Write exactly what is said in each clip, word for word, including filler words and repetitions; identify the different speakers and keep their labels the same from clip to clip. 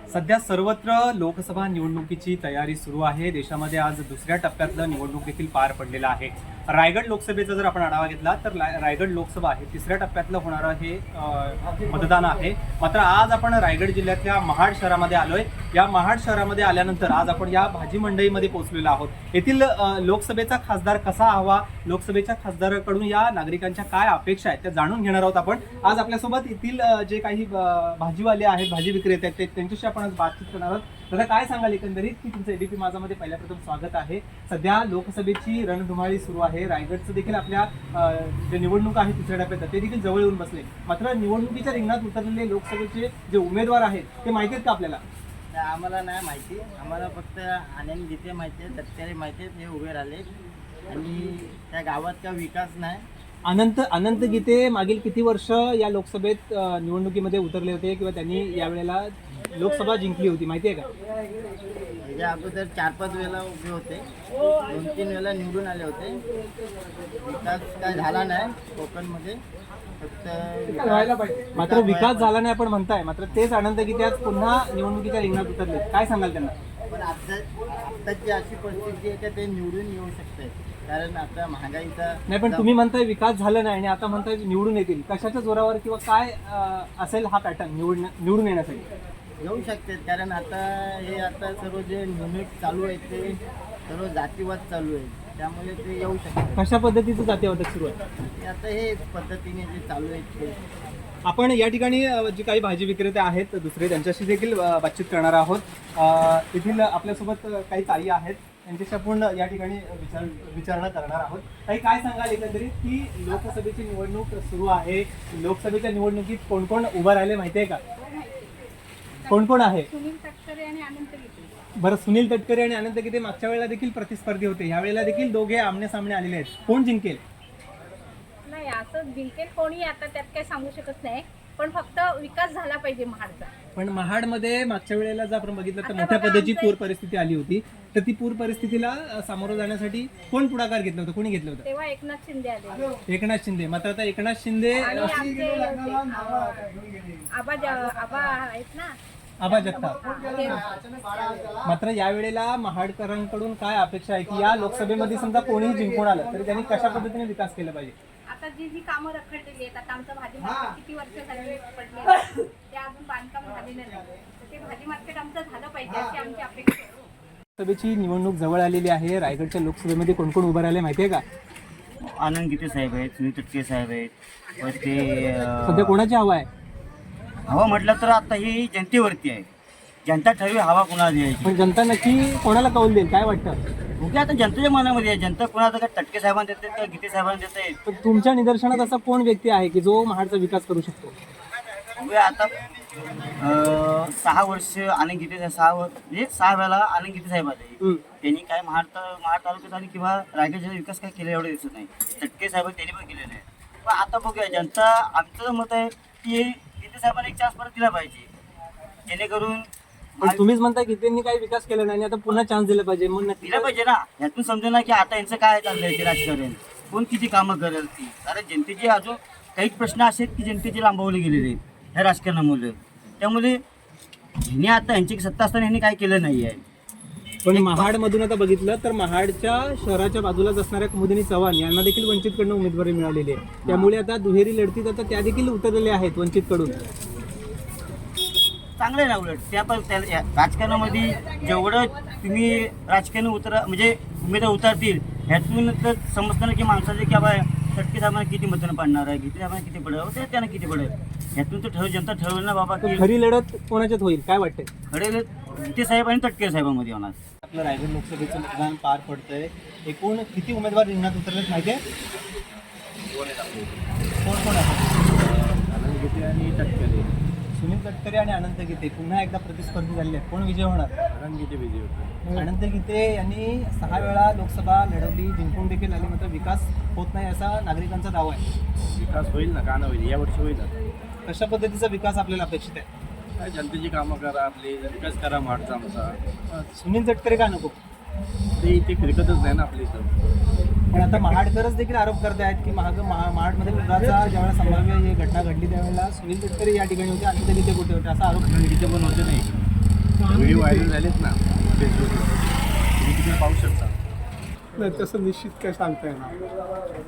Speaker 1: सध्या सर्वत्र लोकसभा निवडणुकीची तयारी सुरू आहे. देशामध्ये आज दुसऱ्या टप्प्यातलं निवडणूक देखील पार पडलेलं आहे. रायगड लोकसभेचा जर आपण आढावा घेतला तर रायगड लोकसभा हे तिसऱ्या टप्प्यातलं होणारं हे मतदान आहे. मात्र आज आपण रायगड जिल्ह्यातल्या महाड शहरामध्ये आलोय. या महाड शहरामध्ये आल्यानंतर आज आपण या भाजी मंडईमध्ये पोहोचलेलो आहोत. येथील लोकसभेचा खासदार कसा हवा, लोकसभेच्या खासदाराकडून या नागरिकांच्या काय अपेक्षा आहेत त्या जाणून घेणार आहोत आपण. आज आपल्यासोबत येथील जे काही भाजीवाले आहेत, भाजी विक्रेते आहेत, ते त्यांच्याशी आपण आज बातचीत करणार आहोत. दादा, काय सांगाल एकंदरीत की तुमचं एबीपी माझामध्ये पहिल्या प्रथम स्वागत आहे. सध्या लोकसभेची रणधुमाळी सुरू आहे. रायगडचं देखील आपल्या जे निवडणूक आहे तिसऱ्या टप्प्यात ते देखील जवळ येऊन बसले. मात्र निवडणुकीच्या रिंगणात उतरलेले लोकसभेचे जे उमेदवार आहेत ते माहिती आहेत का आपल्याला?
Speaker 2: आम्हाला नाही माहिती. आम्हाला फक्त आनंद गीते माहिती आहे, तत्काळे माहिती आहेत, हे उभे राहिले आणि त्या गावात का विकास नाही.
Speaker 1: अनंत अनंत गीते मागील किती वर्ष या लोकसभेत निवडणुकीमध्ये उतरले होते किंवा त्यांनी यावेळेला लोकसभा जिंकली होती, माहिती आहे का?
Speaker 2: याच्या अगोदर चार पाच वेळेला उभे होते, दोन तीन वेळेला निवडून आले होते. विकास काय झाला नाही कोकणमध्ये, फक्त
Speaker 1: मात्र विकास झाला नाही आपण म्हणताय. मात्र तेच अनंत गीते आज पुन्हा निवडणुकीच्या रिंगणात उतरले. काय सांगाल त्यांना?
Speaker 2: पण आता आत्ताची अशी परिस्थिती आहे की ते निवडून येऊ शकते, कारण आता महागाईचा
Speaker 1: नाही. पण तुम्ही म्हणताय विकास झाला नाही आणि आता म्हणताय निवडून येतील. कशाच्या जोरावर किंवा काय असेल हा पॅटर्न निवडून निवडून येण्यासाठी?
Speaker 2: येऊ शकतात, कारण आता हे आता सर्व जे निवडणूक चालू आहे ते सर्व जातीवाद चालू आहे, त्यामुळे ते येऊ शकतात.
Speaker 1: कशा पद्धतीचं जातीवादक सुरू आहे?
Speaker 2: आता हे पद्धतीने जे चालू आहे ते.
Speaker 1: आपण या ठिकाणी जे काही भाजी विक्रेते आहेत दुसरे त्यांच्याशी देखील बातचीत करणार आहोत. येथील आपल्यासोबत काही ताई आहेत, त्यांच्याशी आपण या ठिकाणी विचार विचारणा करणार आहोत. काही काय सांगाल एकंदरीत की लोकसभेची निवडणूक सुरू आहे, लोकसभेच्या निवडणुकीत कोण कोण उभं राहिले माहिती आहे का? कोण कोण आहे?
Speaker 3: सुनील तटकरे आणि अनंत गीते.
Speaker 1: बरं, सुनील तटकरे आणि अनंत गीते मागच्या वेळेला देखील प्रतिस्पर्धी होते, ह्या वेळेला देखील दोघे आमने सामने आलेले आहेत. कोण जिंकेल?
Speaker 3: नाही, असं जिंकेल कोणी आता त्यात काही सांगू शकत नाही, पण फक्त विकास झाला पाहिजे महाडचा.
Speaker 1: पण महाडमध्ये मागच्या वेळेला जर आपण बघितलं तर
Speaker 3: आता
Speaker 1: मोठ्या
Speaker 3: बघा,
Speaker 1: पद्धतीची
Speaker 3: आमचं-
Speaker 1: पूर परिस्थिती आली होती. तर ती पूर परिस्थितीला सामोरं जाण्यासाठी कोण पुढाकार घेतलं होतं, कोणी घेतलं होतं?
Speaker 3: तेव्हा एकनाथ शिंदे आले
Speaker 1: एकनाथ शिंदे. मात्र आता एकनाथ शिंदे
Speaker 3: आणि आमचे आबा ज- आबा आहेत ना,
Speaker 1: आबा जगताप.
Speaker 3: ते
Speaker 1: मात्र यावेळेला महाडकरांकडून काय अपेक्षा आहे की या लोकसभेमध्ये समजा कोणीही जिंकून आलं तरी त्यांनी कशा पद्धतीने विकास केला पाहिजे?
Speaker 3: आता जी जी कामं रखडलेली आहेत, आता आमचं भाजी मार्केट किती वर्ष झाली पडले आहे, ते अजून बांधकाम झालेलं नाही, तर ते भाजी मार्केट आमचं झालं पाहिजे अशी आमची अपेक्षा आहे.
Speaker 1: लोकसभेची निवडणूक जवळ आलेली आहे. रायगडच्या लोकसभेमध्ये कोण कोण उभं राहिले माहिती आहे का?
Speaker 2: आनंद गीते साहेब आहेत, सुनील तटकरे साहेब आहेत, व ते
Speaker 1: सध्या कोणाची हवा आहे?
Speaker 2: हवा म्हटलं तर आता ही जनतेवरती आहे. जनता ठरवी हवा कोणाला द्यायची.
Speaker 1: पण जनता नक्की कोणाला कौल देईल, काय वाटतं?
Speaker 2: ओके, आता जनतेच्या मनामध्ये आहे. जनता कोणाला काय तटके साहेबांना देते तर गीते साहेबांना देते.
Speaker 1: पण तुमच्या निदर्शनात असा कोण व्यक्ती आहे की जो महाडचा विकास करू शकतो?
Speaker 2: म्हणजे आता अं, सहा वर्ष आनंद गीते साहेब सहा वर्ष म्हणजे सहा वेळेला आनंद गीते साहेब आले.
Speaker 1: हम्म.
Speaker 2: त्यांनी काय महाड महाड तालुक्यात आणि किंवा रायगड जिल्ह्यात विकास काय केला एवढं दिसत नाही. तटके साहेब त्यांनी पण केलेलं आहे. पण आता बघूया, जनता आमचं मत आहे की गीते साहेबांना एक चान्स परत दिला पाहिजे, जेणेकरून
Speaker 1: पण तुम्हीच म्हणताय की त्यांनी काही विकास केला नाही, आता पुन्हा चान्स दिला पाहिजे. मग नक्की
Speaker 2: दिला पाहिजे ना. यातून समजेल ना की आता यांचं काय चाललंय ते राजकारण, कोण किती कामं करेल ती. कारण जनतेचे अजून काही प्रश्न असे आहेत की जनतेचे लांबवले गेलेले आहेत ह्या राजकारणामुळे. त्यामुळे ह्यांनी आता यांची सत्ता असताना ह्यांनी काय केलं नाही आहे.
Speaker 1: पण महाडमधून आता बघितलं तर महाडच्या शहराच्या बाजूलाच असणाऱ्या कुमुदिनी चव्हाण यांना देखील वंचितकडून उमेदवारी मिळालेली आहे. त्यामुळे आता दुहेरी लढतीत आता त्या देखील उतरलेल्या आहेत वंचितकडून.
Speaker 2: चांगलं आहे ना. उलट त्या पण त्या या राजकारणामध्ये जेवढं तुम्ही राजकारण उतरा म्हणजे उमेदवार उतरतील ह्यातून तर समजताना की माणसाचे की बाबा तटके साहेबांना किती मतदान पडणार आहे, गीते साहेबांना किती पडेल, ते त्यांना किती पडेल, ह्यातून तर ठरव जनता ठरवेल ना बाबा की
Speaker 1: खरी लढत कोणाच्यात होईल काय वाटतंय?
Speaker 2: ठरेल गीते साहेब आणि तटके साहेबांमध्ये होणार.
Speaker 1: आपलं रायगड लोकसभेचं मतदान पार पडतंय. एकूण किती उमेदवार रिंगणात उतरलेत माहिती आहे? कोण कोण आहे?
Speaker 4: आनंद गीते आणि तटकरे.
Speaker 1: सुनील तटकरे आणि अनंत गीते पुन्हा एकदा प्रतिस्पर्धी झालेले आहेत. कोण विजय होणार?
Speaker 4: आनंद गीते विजय होते.
Speaker 1: अनंत गीते यांनी सहा वेळा लोकसभा लढवली, जिंकून देखील आली, मात्र विकास होत नाही असा नागरिकांचा दावा आहे.
Speaker 4: विकास होईल ना, का नाही होईल, यावर्षी होईल ना.
Speaker 1: कशा पद्धतीचा विकास आपल्याला अपेक्षित आहे?
Speaker 4: काय जनतेची कामं करा, आपली विकास करा महाडचा आमचा.
Speaker 1: सुनील तटकरे का नको?
Speaker 4: ते इथे फिरकतच नाही ना आपल्या इथं.
Speaker 1: पण आता महाडकरच देखील आरोप करते आहेत की महाग महा महाडमध्ये पुराचा ज्यावेळेला संभाव्य ही घटना घडली त्यावेळेला सुनील तटकरे या ठिकाणी होते, अनंत गीते कुठे होते असा आरोप.
Speaker 4: आनंद गीते पण होते नाही. व्हिडिओ व्हायरल झालेत ना फेसबुकवर, तुम्ही तिकडे पाहू शकता.
Speaker 5: नाही तसं निश्चित काय सांगता येणार.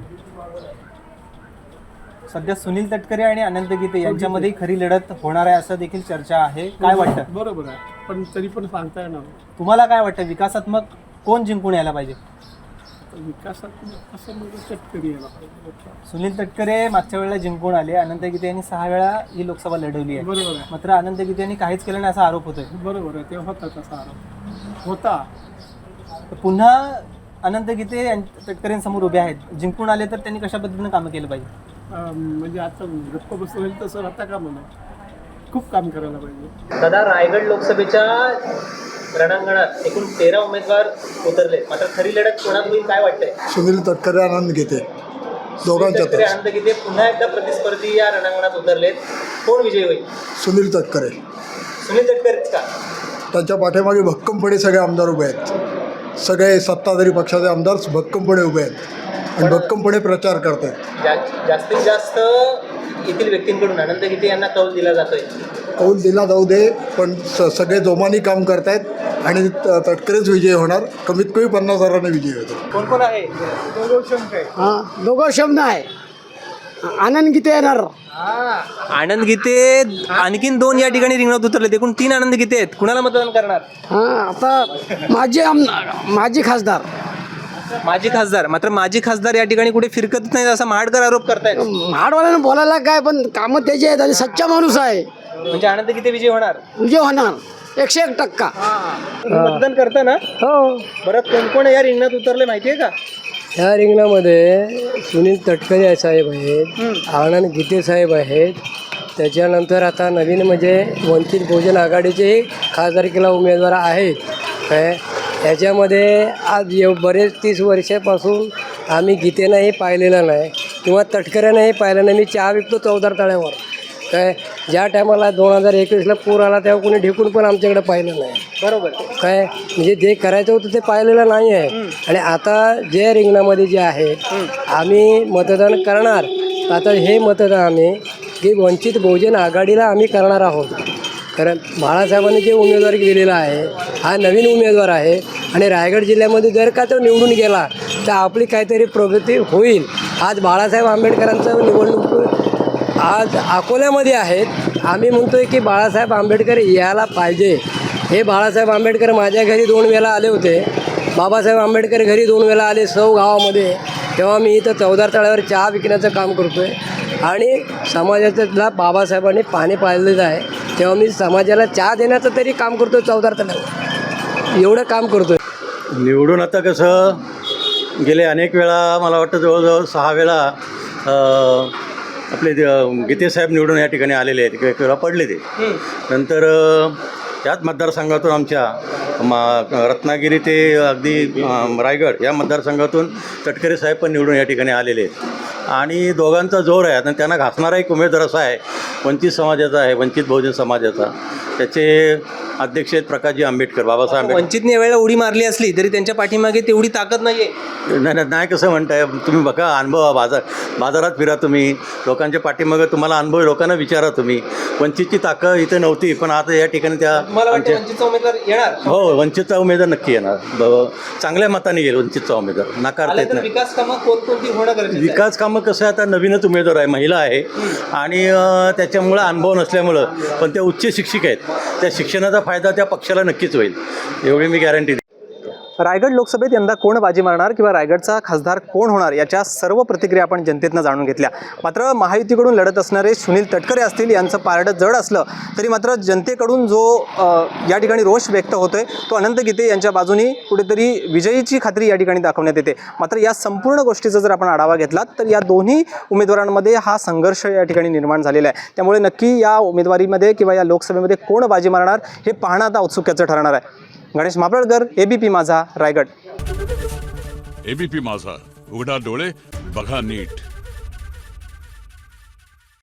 Speaker 1: सध्या सुनील तटकरे आणि अनंत गीते यांच्यामध्ये खरी लढत होणार आहे असं देखील चर्चा आहे. काय वाटतं?
Speaker 5: बरोबर आहे, पण तरी पण सांगता येणार.
Speaker 1: तुम्हाला काय वाटतं, विकासात्मक कोण जिंकून यायला पाहिजे?
Speaker 5: विकासात असं म्हणजे शेतकरी यायला पाहिजे.
Speaker 1: सुनील तटकरे मागच्या वेळेला जिंकून आले, अनंत गीते यांनी सहा वेळा ही लोकसभा लढवली आहे.
Speaker 5: बरोबर आहे,
Speaker 1: मात्र अनंत गीते यांनी काहीच केलं नाही असा आरोप होतोय.
Speaker 5: बरोबर आहे, ते होता तसा आरोप होता.
Speaker 1: तर पुन्हा अनंत गीते यां- तटकरेंसमोर उभे आहेत, जिंकून आले तर त्यांनी कशा पद्धतीनं कामं केलं पाहिजे?
Speaker 5: अं, म्हणजे आता गप्प बसलं होईल तसं आता का म्हणा, खूप काम करायला पाहिजे.
Speaker 1: दादा, रायगड लोकसभेच्या रणांगणात एकूण तेरा उमेदवार उतरले, मात्र खरी लढत कोणात होईल काय वाटतंय?
Speaker 6: सुनील तटकरे आनंद घेते दोघांच्यातच.
Speaker 1: तटकरे अनंत गीते पुन्हा एकदा प्रतिस्पर्धी या रणांगणात उतरलेत, कोण विजयी होईल?
Speaker 6: सुनील तटकरे.
Speaker 1: सुनील तटकरेच का?
Speaker 6: त्यांच्या पाठीमागे भक्कमपणे सगळे आमदार उभे आहेत. सगळे सत्ताधारी पक्षाचे आमदार भक्कमपणे उभे आहेत आणि भक्कमपणे प्रचार करत आहेत.
Speaker 1: जा- जास्तीत जास्त येथील व्यक्तींकडून अनंत गीते यांना कौल दिला जातोय.
Speaker 6: कौल दिला जाऊ दे, पण स सगळे जोमाने काम करतायत आणि त- तटकरेच विजय होणार. कमीत कमी पन्नास हजाराने विजय होतो.
Speaker 1: कोण कोण आहे?
Speaker 7: हां दोघं शब्द आहे. आनंद गीते येणार.
Speaker 1: आनंद गीते आणखीन दोन या ठिकाणी रिंगणात उतरले, एकूण तीन आनंद गीते आहेत. कुणाला मतदान करणार?
Speaker 7: हां आता माझे आमदार माजी खासदार
Speaker 1: माजी खासदार, मात्र माजी खासदार या ठिकाणी कुठे फिरकत नाही असा महाडकर आरोप करतायत.
Speaker 7: हाडवाल्यानं बोलायला काय, पण कामं त्याचे आहेत आणि सच्चा माणूस आहे.
Speaker 1: म्हणजे आनंद गीते विजय होणार.
Speaker 7: विजय होणार एकशे एक टक्का.
Speaker 1: तुम्ही मतदान करता ना?
Speaker 7: हो.
Speaker 1: बरं, कोण कोण या रिंगणात उतरले माहितीये का?
Speaker 8: ह्या रिंगणामध्ये सुनील तटकरे साहेब आहेत, आनंद गीते साहेब आहेत, त्याच्यानंतर आता नवीन म्हणजे वंचित बहुजन आघाडीचे खासदारकीला उमेदवार आहेत. काय याच्यामध्ये आज एव बरेच तीस वर्षापासून आम्ही गीतेनाही पाहिलेलं नाही किंवा तटकऱ्यानंही पाहिलं नाही. मी चहा विकतो चौदार तळ्यावर. काय ज्या टायमाला दोन हजार एकवीसला पूर आला तेव्हा कोणी ढेकून पण आमच्याकडे पाहिलं नाही.
Speaker 1: बरोबर.
Speaker 8: काय म्हणजे जे करायचं होतं ते पाहिलेलं नाही आहे. आणि आता जे रिंगणामध्ये जे आहे आम्ही मतदान करणार. आता हे मतदान आम्ही की वंचित बहुजन आघाडीला आम्ही करणार आहोत. कारण बाळासाहेबांनी जे उमेदवारी दिलेला आहे हा नवीन उमेदवार आहे आणि रायगड जिल्ह्यामध्ये जर का तो निवडून गेला तर आपली काहीतरी प्रगती होईल. आज बाळासाहेब आंबेडकरांचं निवडणूक आज अकोल्यामध्ये आहेत. आम्ही म्हणतो आहे की बाळासाहेब आंबेडकर यायला पाहिजे. हे बाळासाहेब आंबेडकर माझ्या घरी दोन वेळा आले होते. बाबासाहेब आंबेडकर घरी दोन वेळा आले सौ गावामध्ये. तेव्हा मी इथं चौदार तळ्यावर चहा विकण्याचं काम करतो आहे आणि समाजाला बाबासाहेबांनी पाणी पाळलेलं आहे. तेव्हा मी समाजाला चहा देण्याचं तरी काम करतो आहे चौदार तळ्यावर. एवढं काम करतो आहे.
Speaker 9: निवडून आता कसं गेले अनेक वेळा मला वाटतं जवळजवळ सहा वेळा आपले गीतेसाहेब निवडून या ठिकाणी आलेले आहेत. एक वेळा पडले ते. नंतर त्याच मतदारसंघातून आमच्या मा रत्नागिरी ते अगदी रायगड या मतदारसंघातून तटकरे साहेब पण निवडून या ठिकाणी आलेले आहेत आणि दोघांचा जोर आहे. आणि त्यांना घासणारा एक उमेदवार असा आहे वंचित समाजाचा आहे, वंचित बहुजन समाजाचा. त्याचे अध्यक्ष आहेत प्रकाशजी आंबेडकर, बाबासाहेब आंबेडकर.
Speaker 1: वंचितने वेळेला उडी मारली असली तरी त्यांच्या पाठीमागे तेवढी ताकद नाहीये.
Speaker 9: नाही नाही नाही कसं म्हणताय तुम्ही? बघा, अनुभव बाजार बाजारात फिरा तुम्ही, लोकांच्या पाठीमागं तुम्हाला अनुभव लोकांना विचारा तुम्ही. वंचितची ताकद इथे नव्हती पण आता या ठिकाणी त्या
Speaker 1: मला वाटतं
Speaker 9: आमच्या-
Speaker 1: वंचितचा उमेदवार येणार.
Speaker 9: हो, वंचितचा उमेदवार नक्की येणार. ब- चांगल्या मताने येईल वंचितचा उमेदवार, नाकारता
Speaker 1: आलं
Speaker 9: येत
Speaker 1: तर
Speaker 9: नाही.
Speaker 1: विकास कामं कोणकोणती होणं गरजेचं आहे?
Speaker 9: विकास कामं कसं आहे, आता नवीनच उमेदवार आहे, महिला आहे आणि अ, त्याच्यामुळं अनुभव नसल्यामुळं पण त्या उच्च शिक्षिक आहेत. त्या शिक्षणाचा फायदा त्या पक्षाला नक्कीच होईल, एवढी मी गॅरंटी देतो.
Speaker 1: रायगड लोकसभेत यंदा कोण बाजी मारणार किंवा रायगडचा खासदार कोण होणार याच्या सर्व प्रतिक्रिया आपण जनतेतनं जाणून घेतल्या. मात्र महायुतीकडून लढत असणारे सुनील तटकरे असतील, यांचं पारडं जड असलं तरी मात्र जनतेकडून जो अ, या ठिकाणी रोष व्यक्त होतोय तो अनंत गीते यांच्या बाजूनी कुठेतरी विजयीची खात्री या ठिकाणी दाखवण्यात येते. मात्र या संपूर्ण गोष्टीचा जर आपण आढावा घेतला तर या दोन्ही उमेदवारांमध्ये हा संघर्ष या ठिकाणी निर्माण झालेला आहे. त्यामुळे नक्की या उमेदवारीमध्ये किंवा या लोकसभेमध्ये कोण बाजी मारणार हे पाहणं आता औत्सुक्याचं ठरणार आहे. गणेश मापळकर, एबीपी माझा, रायगड.
Speaker 10: एबीपी माझा, उघडा डोळे बघा नीट.